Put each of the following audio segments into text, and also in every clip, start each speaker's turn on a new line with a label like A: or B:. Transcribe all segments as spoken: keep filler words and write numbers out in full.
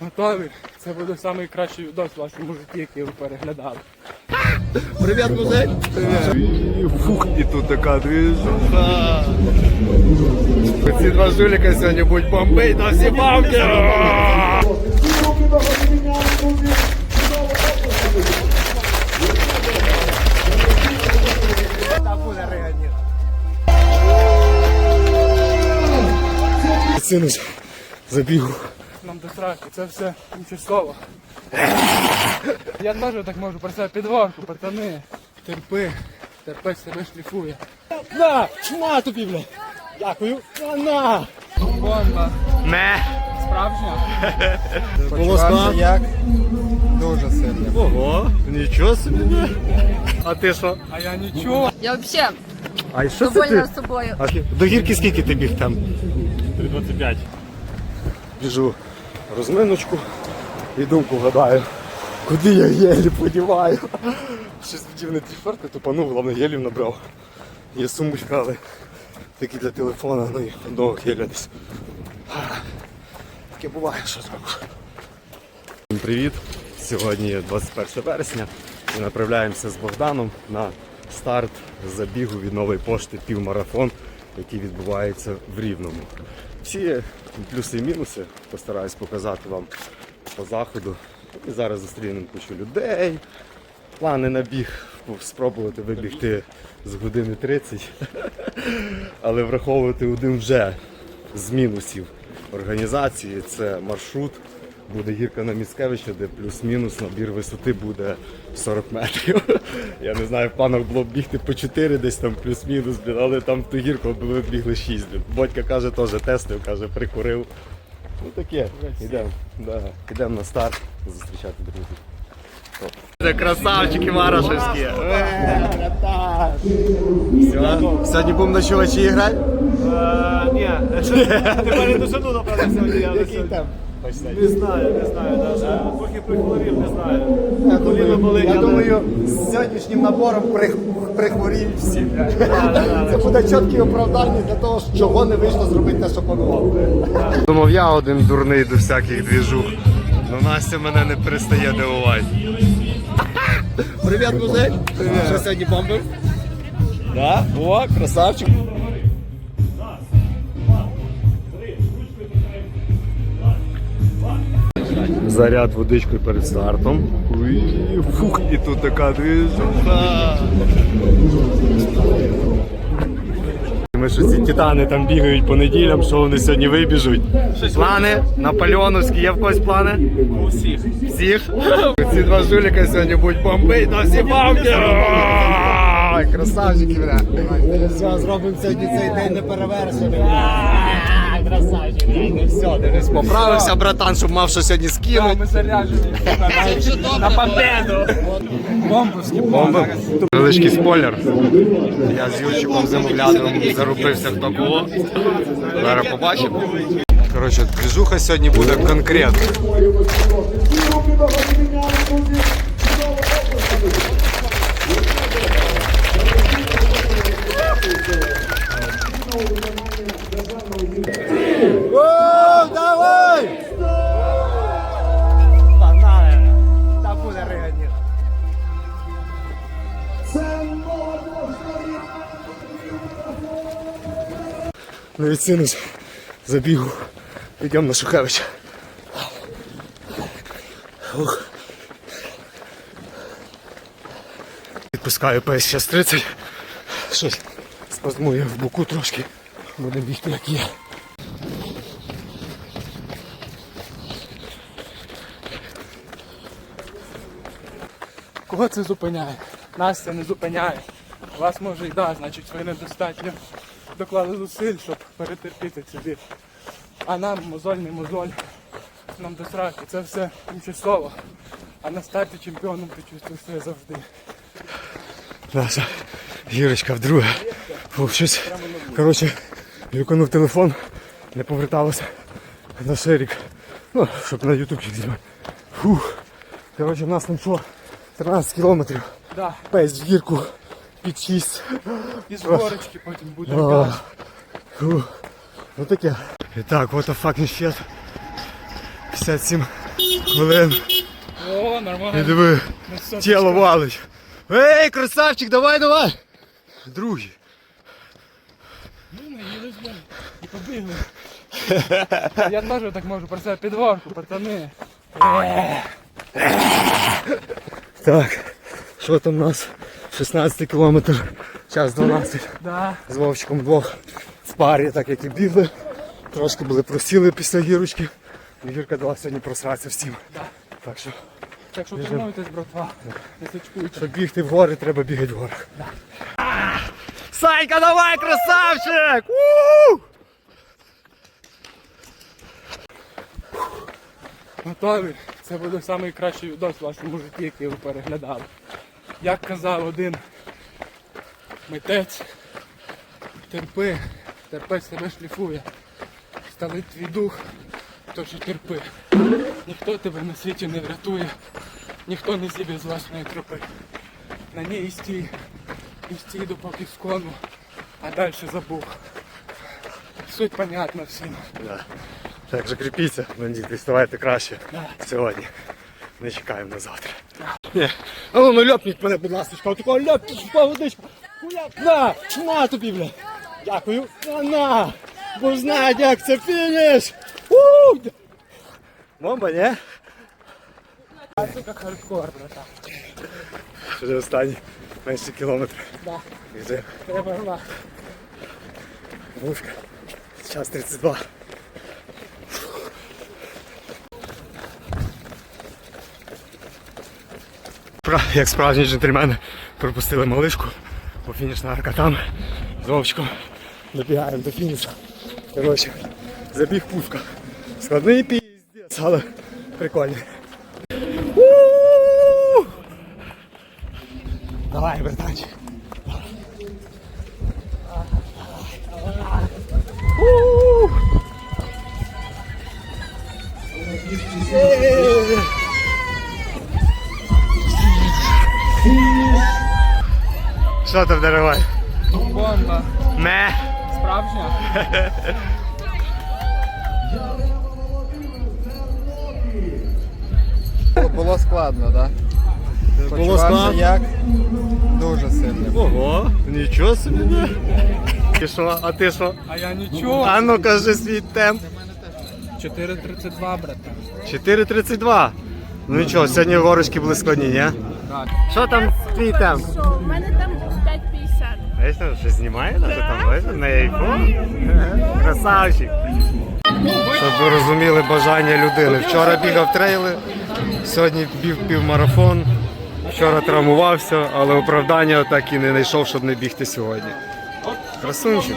A: Готові? Це буде найкращий відос в вашому житті, який ви переглядали.
B: Привіт, музей! Привіт! Фух, і тут така движуха. Ці два жуліка сьогодні будуть бомбить на всі бабки! Там буде реганіна.
A: Синус забігу. Нам до сраки, це все тимчасово. Я теж так можу про себе підварку, пацани. Терпи, терпець тебе шліфує.
B: На! На тобі, бля! Дякую! На! На!
A: Бомба.
B: Ме!
A: Справжня?
B: Волоска?
A: Як? Дуже сильно.
B: Ого! Нічого собі! А ти що?
A: А я нічого.
C: Я взагалі
B: А що це
C: довольна
B: ти?
C: собою.
B: А до гірки скільки ти біг там?
D: три двадцять п'ять.
B: Біжу розминочку і думку гадаю, куди я гелі подіваю. Щось вдів не ті шорти, тупанув, головне гелів набрав. Є сумочка, але такі для телефона, ну і одного геля десь. Таке буває, що зробиш. Всім привіт! Сьогодні двадцять перше вересня. Ми направляємося з Богданом на старт забігу від Нової пошти півмарафон, який відбувається в Рівному. Всі плюси і мінуси постараюсь показати вам по заходу. І зараз зустрінемо кучу людей. Плани на біг спробувати вибігти з години тридцять. Але враховувати один вже з мінусів організації. Це маршрут. Буде гірка на Міцкевича, де плюс-мінус набір висоти буде сорок метрів. Я не знаю, в планах було б бігти по чотири десь там плюс-мінус, але там в ту гірку ми бігли шість. Бодька каже, теж тестив, каже, прикурив. Ну таке, йдемо да. Йдемо на старт зустрічати друзів. Це красавчики Марашевські. Сьогодні будемо на чувачі грати?
D: Ні, тепер я дожену, напевно, сьогодні.
B: Який там?
D: Не знаю, не знаю навіть. Поки прихворів, не знаю. Коліно болить,
B: Я
D: але-
B: думаю, з сьогоднішнім набором прих- прихворіють всі. Це буде чіткі оправдання для того, чого не вийшло зробити те, що планував. Думав, я один дурний до всяких двіжух. Но Настя мене не перестає дивувати. Привіт, музей! Що сьогодні бомбив? Да? О, красавчик! Заряд водичкою перед стартом. Уй, фух, і тут така движуха. Ми що ці титани там бігають по неділям, що вони сьогодні вибіжуть. Плани наполеоновські, є в когось плани?
D: У всіх.
B: Всіх? Ці два жуліка сьогодні будуть бомбить на всі бабки! Ой, красавчики, бля. Все, зробимо сьогодні цей день неперевершеним. Красавчик, ну все, дивись, поправився, братан, щоб мав що сьогодні скинути.
A: Ми заряджені. На победу. Бомбовські
B: Бомба. Величкий спойлер. Я з Юрчиком Замовлядовим зарубився в такого. Зараз побачимо. Коротше, движуха сьогодні буде конкретна. О, давай! Погнали! Там буде реганіна. Ну і синус забігу. Йдемо на Шухевича. Ух. Відпускаю пейс зараз тридцять. Щось спазмує в боку трошки. Будемо бігти як є.
A: Кого це зупиняє? Нас це не зупиняє. Вас може і да, значить ви недостатньо доклали зусиль, щоб перетерпіти цей біль. А нам мозоль не мозоль, нам до сраки, це все тимчасово. А на старті чемпіоном ти чувствуєш себе завжди.
B: Наша Гірочка вдруге. Фух, щось, коротше, віконув телефон, не поверталося на шерік. Ну, щоб на ютубчик знімати. Фух. Коротше, в нас там що? тринадцять кілометрів.
A: Да.
B: Пейс в гірку під шість.
A: І з горочки потім буде.
B: О, фух. Ну таке. І так, what the fucking shit. п'ятдесят сім Хвилин.
A: О,
B: І
A: нормально.
B: диви,
A: Ну, все,
B: тіло валить. Ей, красавчик, давай, давай. Другий.
A: Ну, наїлись, блядь, і побігли. Я теж так можу, про це підворку, пацани.
B: Так, що там у нас? шістнадцятий кілометр, час дванадцять.
A: Да.
B: З Вовчиком вдвох в парі, так як і бігли. Трошки були просіли після гірочки. Гірка дала сьогодні просратися всім.
A: Да.
B: Так що,
A: Так що тренуйтесь, братва. Не сачкуйте.
B: щоб бігти в гори, треба бігати в горах. Да. Санька, давай, красавчик! У!
A: Готові? Це буде найкращий відос в вашому житті, який ви переглядали. Як казав один митець, терпи, терпець тебе шліфує. Сталить твій дух, тож і терпи. Ніхто тебе на світі не врятує, ніхто не зіб'є з власної тропи. На ній і стій, і стій допоки скону, а далі забув. Суть понятна всім.
B: Да. Так що кріпіться, бандити, ставайте краще
A: Да.
B: сьогодні. Не чекаємо на завтра. Ні. А ну, ну ляпніть мене, будь ласка, отакого ляпніть, впав водичку. Ляп, на, на тобі, бля. Дякую. На, на. Бо знають, як це фініш. У! Бомба, ні?
A: А це як хардкор, братан.
B: Вже останній менше кілометр.
A: Да.
B: Біжи.
A: Треба гла.
B: Вушка. Час тридцять два. Як справжні джентльмени пропустили малишку, бо фінішна арка там, з Вовчиком добігаємо до фінішу. Коротше, забіг пушка. Складний піздець, але прикольний. У-у-у! Давай, братанчик. У-у-у! Е-е-е! Що там дарувай?
A: Бомба.
B: Ме.
A: Справжня?
C: Було складно, так? Да?
B: Було складно?
C: Як? Дуже сильно.
B: Ого, нічого собі. Ти що, а ти що?
A: А я нічого.
B: А ну кажи свій темп.
A: чотири тридцять два, братан.
B: чотири тридцять два. Ну нічого, сьогодні горочки були складні, ні?
A: Так.
B: Що там твій темп?
E: Що? У мене там п'ять п'ятдесят.
B: Знаєш, там щось знімає, навіть там видно на айфон. Красавчик. Щоб ви розуміли бажання людини. Вчора бігав трейли, сьогодні біг півмарафон. Вчора травмувався, але оправдання так і не знайшов, щоб не бігти сьогодні. Красунчик.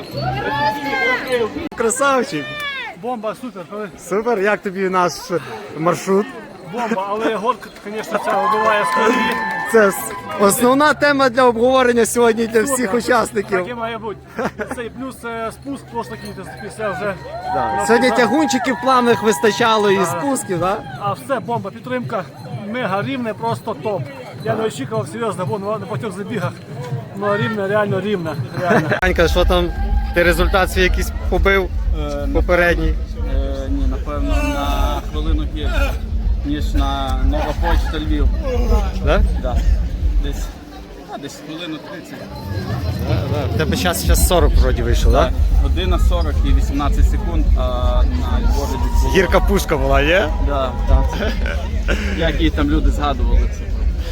B: Красавчик.
D: Бомба, супер, коли-
B: Супер, як тобі наш маршрут?
D: бомба, але горка, звісно, це вибиває складні.
B: Це с- основна тема для обговорення сьогодні для всіх учасників.
D: Так і має бути. Це і плюс е, спуск, просто якийсь після вже.
B: Да. Сьогодні тягунчиків плавних вистачало і спусків, так?
D: А все, бомба, підтримка, мега рівне, просто топ. Я не очікував серйозно, бо на багатьох забігах. Ну рівне, реально рівне. Реально.
B: Анька, що там? Ти результат свій якийсь побив попередній?
F: Е, ні, напевно, на хвилину гірше, ніж на Нова Почта Львів.
B: Да?
F: Да. Десь, а, десь хвилину тридцять.
B: В тебе час, час сорок вроді вийшов, так?
F: Година сорок і вісімнадцять секунд, а на Львові десь було.
B: Гірка пушка була, є?
F: Да, так. Як її там люди згадували це.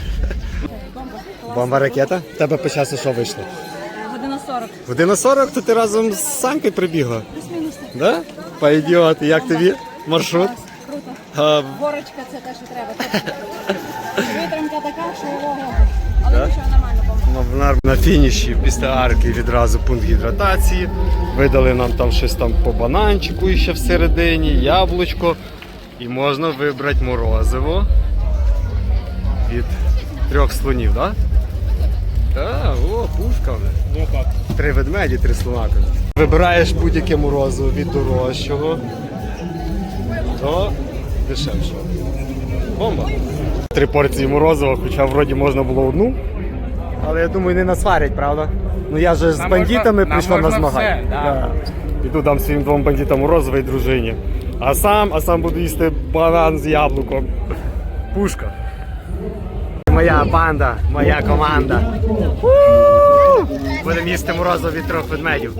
B: Бомба ракета. В тебе по часу що вийшло?
E: Година сорок.
B: Година сорок, то ти разом з Санькою прибігла?
E: Плюс-мінус.
B: Да? Пойдет. Як тобі маршрут?
E: Круто.
B: А,
E: Горочка це те, що треба. Витримка така, що ого. Але нічого, нормально, бомба.
B: на, на фініші після арки відразу пункт гідратації. Видали нам там щось там по бананчику ще всередині, яблучко. І можна вибрати морозиво від трьох слонів, так? Да? Так, о, пушка. Три ведмеді, три слона. Вибираєш будь-яке морозиво від дорожчого до дешевшого. Бомба. Три порції морозива, хоча вроді можна було одну. Але я думаю, не насварять, правда? Ну я же з
A: Нам
B: бандитами
A: можна-
B: прийшов
A: нам
B: на
A: можна
B: змагання.
A: все, да.
B: Да. Іду дам своїм двом бандитам морозиво і дружині. А сам, а сам буду їсти банан з яблуком. Пушка. Моя банда, моя команда. У! Будемо їсти морозиво від трьох ведмедів.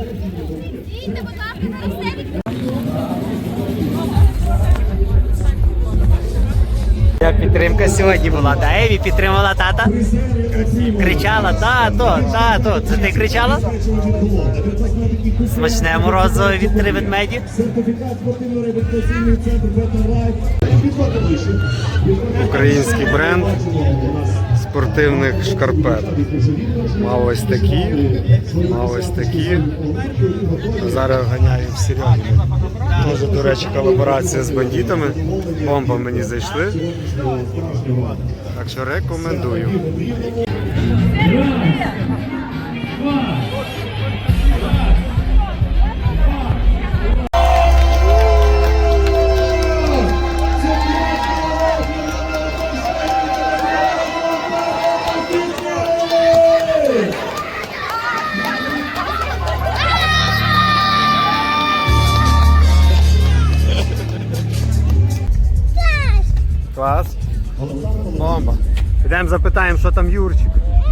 B: Як підтримка сьогодні була, да? Еві підтримала тата? Кричала, тато, тато. Це ти кричала? Смачне морозиво від три ведмеді. Український бренд спортивних шкарпеток. Мав ось такі, мав ось такі. Зараз ганяю в Серьогі. Тоже, до речі, колаборація з бандитами. Бомба мені зайшли. Так що рекомендую. Клас. Бомба. Підемо запитаємо, що там Юрчик.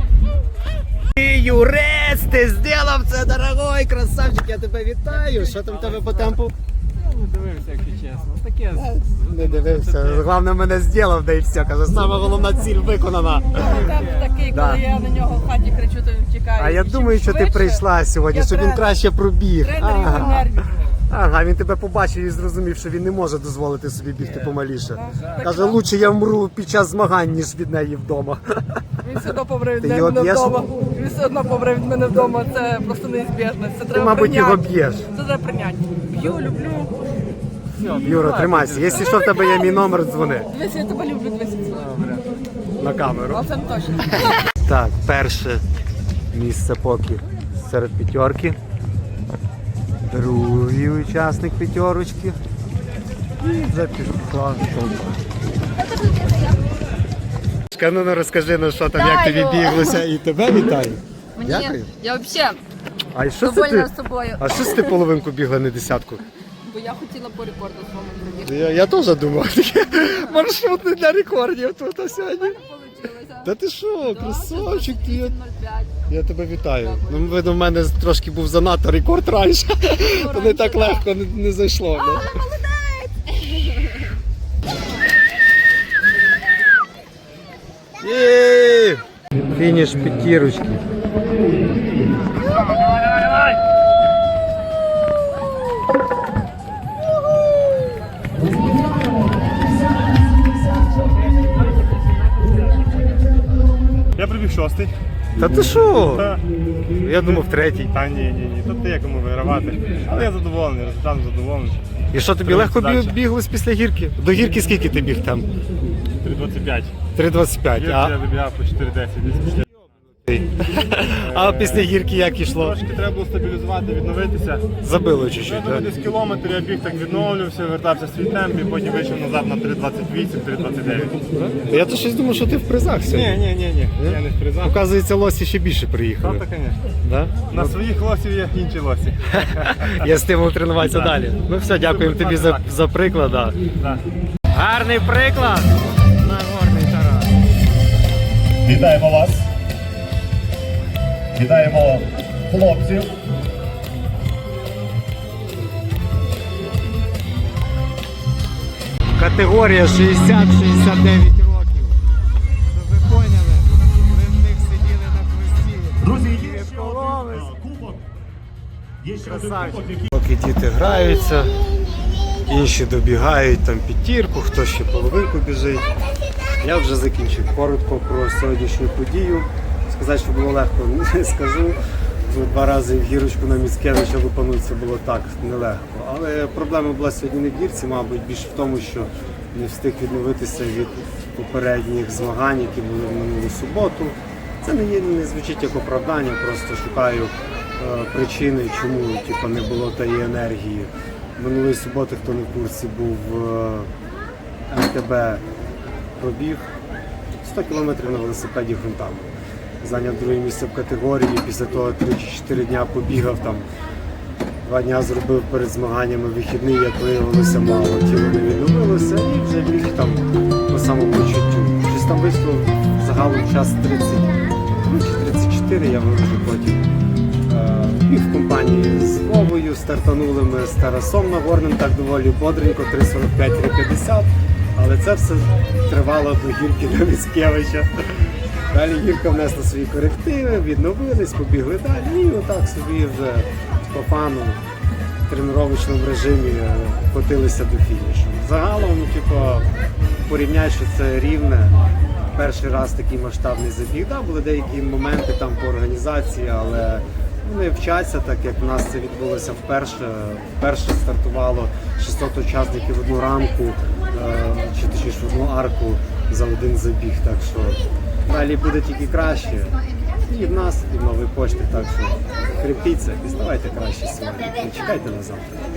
B: Юрець, ти зробив це, дорогой, красавчик, я тебе вітаю. Що там в тебе по темпу?
C: Не дивився, якщо чесно. Таке.
B: Не дивився. Головне, мене зробив, да і все. Каже, саме головна ціль виконана.
E: Темп такий,
B: Да.
E: коли я на нього в хаті кричу, то він втікає.
B: А я
E: Чим
B: думаю, що ти
E: швидше,
B: прийшла сьогодні,
E: я
B: щоб він
E: тренер.
B: краще пробіг.
E: Тренер його
B: Ага.
E: нервів.
B: Ага, він тебе побачив і зрозумів, що він не може дозволити собі бігти помаліше.
E: Так
B: Каже,
E: що?
B: лучше я вмру під час змагань, ніж від неї вдома.
E: Він все одно помре від
B: Ти
E: мене
B: його б'єш?
E: вдома. Він все одно помре від мене вдома. Це просто неізбіжно. Це
B: Ти,
E: треба
B: мабуть,
E: прийняти.
B: його б'єш.
E: Це треба прийняти. Б'ю, люблю.
B: Юра, тримайся. Якщо що, в тебе є мій номер, дзвони
E: Дивись, я тебе люблю, дивись.
B: на камеру.
E: А це не точно.
B: Так, перше місце поки серед п'ятерки. Другий учасник п'ятерочки. І вже пішла толпа. Ну, ну розкажи, ну що там, як тобі
E: Вітаю!
B: біглося, і тебе вітаю.
E: Мені,
B: Дякую.
E: я взагалі
B: А що це
E: довольна
B: ти?
E: з собою.
B: А що це ти половинку бігла, не десятку?
E: Бо я хотіла по рекорду своєму пробігти.
B: Я, я теж думав, таке маршрут для рекордів тут а сьогодні.
E: Получилося.
B: Та ти що, красавчик, ти, я,
E: нуль п'ять.
B: я тебе вітаю. Ну, видно, в мене трошки був занадто рекорд раніше, то не так легко не, не зайшло. Да? Є! Фініш п'ятірочки.
G: Я прибіг шостий.
B: Та ти що?
G: Та,
B: Я думав третій.
G: та ні, ні, ні. Тут є кому вигравати. Але я задоволений, результатом задоволений.
B: І що тобі
G: Треба
B: легко бі-
G: задача.
B: біглось після гірки? До гірки скільки ти біг там?
G: три двадцять п'ять.
B: три двадцять п'ять.
G: Гірки
B: А,
G: я добігав по чотири десять. десь.
B: а після гірки як йшло?
G: Трошки треба було стабілізувати, відновитися.
B: Забило чуть-чуть,
G: Я
B: так?
G: десь кілометр я біг так відновлювався, вертався в свій темп і потім вийшов назад на три двадцять вісім, три двадцять дев'ять.
B: Я то щось думав, що ти в призах
G: Ні,
B: сьогодні.
G: ні, ні, ні. Я не в призах.
B: Оказується, лосі ще більше
G: Та,
B: приїхали.
G: та, звісно.
B: Да?
G: На своїх лосів є інші лосі.
B: Є стимул тренуватися далі. Ну все, дякуємо тобі за, за приклад. Да.
G: Так.
B: Гарний приклад. Нагорний Тарас.
H: Вітаємо вас. Вітаємо хлопців.
B: Категорія шістдесят шістдесят дев'ять років. Щоб ви поняли, ви в них сиділи на хвості.
H: Друзі, є
B: Від
H: ще
B: колони.
H: один е, кубок. Є ще один
B: Красавчик.
H: кубок, який
B: Поки діти граються, інші добігають там п'ятірку, хтось ще половинку біжить. Я вже закінчив коротко про сьогоднішню подію. Сказати, що було легко, не скажу. Два рази в гірочку на Міцкевича лупанутися було так нелегко. Але проблема була сьогодні не в гірці, мабуть, більше в тому, що не встиг відновитися від попередніх змагань, які були в минулу суботу. Це не є, не звучить як оправдання, просто шукаю е, причини, чому типу, не було тієї енергії. Минулої суботи, хто не в курсі, був е, ем те бе пробіг сто кілометрів на велосипеді ґрунтами. Зайняв друге місце в категорії, після того три чи чотири дня побігав там Два дня зробив перед змаганнями вихідний, як виявилося, мало. Тіло не відновилося і вже біг там по самопочуттю. Щось там вийшло загалом час тридцять три чи тридцять чотири, я вивчу потім. Біг в компанії з Вовою, стартанули ми з Тарасом Нагорним, так доволі бодренько, три сорок п'ять - три п'ятдесят. Але це все тривало до гірки до Міцкевича. Далі гірка внесла свої корективи, відновились, побігли далі і отак собі вже по фану в тренувальному режимі котилися до фінішу. Загалом, типу, порівняй, що це Рівне. Перший раз такий масштабний забіг. Да, були деякі моменти там по організації, але вони вчаться, так як в нас це відбулося вперше. Вперше стартувало шістсот учасників в одну рамку, чи точніше в одну арку за один забіг. Так що далі буде тільки краще. І в нас, і в Новій пошті, так що кріпіться і ставайте краще сьогодні. Не чекайте на завтра.